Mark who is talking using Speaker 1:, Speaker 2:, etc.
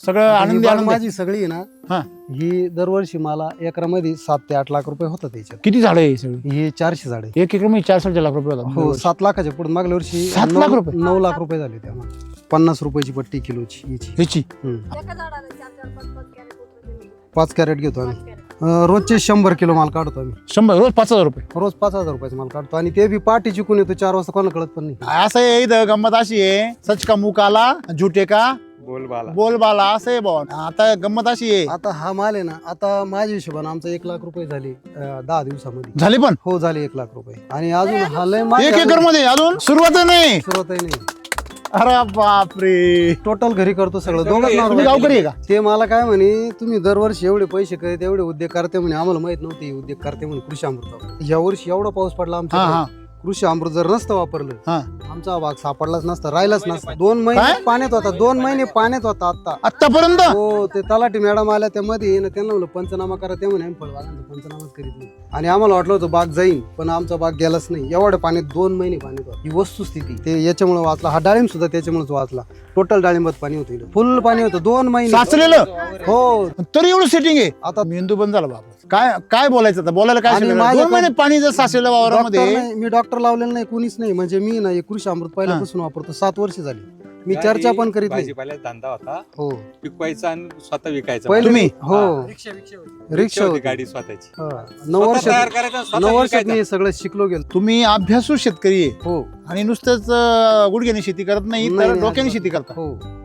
Speaker 1: सगळं
Speaker 2: आता ही
Speaker 1: आनंदी
Speaker 2: बाग
Speaker 1: आनंद आहे.
Speaker 2: माझी सगळी आहे ना,
Speaker 1: हा.
Speaker 2: ही दरवर्षी मला एकरामध्ये 7 ते 8 लाख रुपये होतात त्याच्यात.
Speaker 1: किती झाडं आहे सगळी
Speaker 2: ही 400 झाडे.
Speaker 1: 1 एकर मध्ये 4-4 लाख रुपये होतात.
Speaker 2: हो 7 लाखाच्या पुढे मागल्या वर्षी
Speaker 1: 7 लाख रुपये?
Speaker 2: 9 लाख रुपये झाले त्यामुळे. 50 रुपयाची पट्टी किलोची हिची.
Speaker 1: ह्याची
Speaker 3: एका झाडाला 4-4-5-5 कॅरेट उतरवले.
Speaker 2: 5 कॅरेट घेतो आम्ही.
Speaker 3: 5 कॅरेट.
Speaker 2: रोजचे 100 किलो माल काढतो आम्ही.
Speaker 1: 100 रोज 5,000 रुपये.
Speaker 2: रोज 5,000 रुपयाचा माल काढतो आणि ते बी पाठी चिकून येतो 4 वाजता, कोणाला कळत पण नाही.
Speaker 1: असं आहे इथं गंमत अशी आहे, सच का मुंह काला झुटे का
Speaker 4: बोलबाला.
Speaker 1: बोलबाला असं आहे भाऊ. आता गंमत अशी आहे,
Speaker 2: आता हा माल आहे ना, आता माझ्या हिशोबाने आमचा 1 लाख रुपये झाले 10 दिवसामध्ये.
Speaker 1: झाले पण
Speaker 2: हो झाले 1 लाख रुपये. आणि अजून हा लय माल
Speaker 1: 1
Speaker 2: आहे,
Speaker 1: एकर मध्ये अजून सुरुवात नाही.
Speaker 2: सुरुवातही नाही.
Speaker 1: अरे बापरे.
Speaker 2: टोटल घरी करतो सगळं.
Speaker 4: तुम्ही
Speaker 2: दोघंच
Speaker 1: तुम्ही
Speaker 2: नाव
Speaker 1: गावकरी आहे का?
Speaker 2: ते मला काय म्हणे, तुम्ही दरवर्षी एवढे पैसे करीत एवढे उद्योग करते म्हणे, आम्हाला माहित नव्हते हे उद्योग करते म्हणे कृषी अमृत. या वर्षी एवढा पाऊस पडला
Speaker 1: हा
Speaker 2: आमच्या
Speaker 1: हा
Speaker 2: कृषी अमृत जर नसतं वापरलं,
Speaker 1: हा.
Speaker 2: आमचा भाग सापडलाच नसता, राहिलाच नसता. 2 महिने
Speaker 1: काय?
Speaker 2: पाण्यात होता, 2 महिने पाण्यात होता आता.
Speaker 1: आतापर्यंत
Speaker 2: हो ते तलाठी मॅडम आल्या त्यामध्ये ना, त्यांना म्हणलं पंचनामा करा, ते म्हणे आम्ही फळबागांचा पंचनामाच करीत नाही. आणि आम्हाला वाटलं होतं बाग जाईन, पण आमचा बाग गेलाच नाही. एवढ्या पाण्यात 2 महिने पाण्यात होता. ही वस्तुस्थिती ते याच्यामुळे वाचला. हा डाळिंब सुद्धा त्याच्यामुळेच वाचला. टोटल डाळिंबात पाणी होतं, फुल पाणी होतं 2 महिने
Speaker 1: साचलेलं.
Speaker 2: हो.
Speaker 1: तरी एवढं सेटिंग आहे.
Speaker 2: आता
Speaker 1: मेंदू बंद झाला बाबा. काय काय बोलायचं आता, बोलायला काय
Speaker 2: आणि
Speaker 1: शिकणार?
Speaker 2: माझ्या
Speaker 1: 2 महिने पाणी जर साचलेलं वावरामध्ये.
Speaker 2: डॉक्टर नाही, मी डॉक्टर लावलेलं नाही, कोणीच नाही. म्हणजे मी ना हे कृषी अमृत पहिल्यापासून वापरतो, 7 वर्ष झाली. मी चर्चा पण करीत नाही.
Speaker 4: भाजीपाल्याचा धंदा होता,
Speaker 2: हो
Speaker 4: पिकवायचा आणि स्वतः विकायचा.
Speaker 2: पहिले
Speaker 1: तुम्ही?
Speaker 2: हो
Speaker 4: रिक्षा
Speaker 2: रिक्षा
Speaker 4: होती
Speaker 2: होती.
Speaker 4: गाडी स्वतःची.
Speaker 2: 9 वर्ष
Speaker 4: स्वतः तयार करायचा आणि स्वतः
Speaker 2: 9 वर्षात
Speaker 4: विकायचा.
Speaker 2: मी हे सगळं शिकलो गेलो.
Speaker 1: तुम्ही अभ्यासू शेतकरी आहे
Speaker 2: हो
Speaker 1: आणि नुसतंच गुडघ्याने शेती करत नाही,
Speaker 2: नाही,
Speaker 1: तर
Speaker 2: नाही,
Speaker 1: डोक्याने
Speaker 2: अजिबात.
Speaker 1: शेती करता.
Speaker 2: हो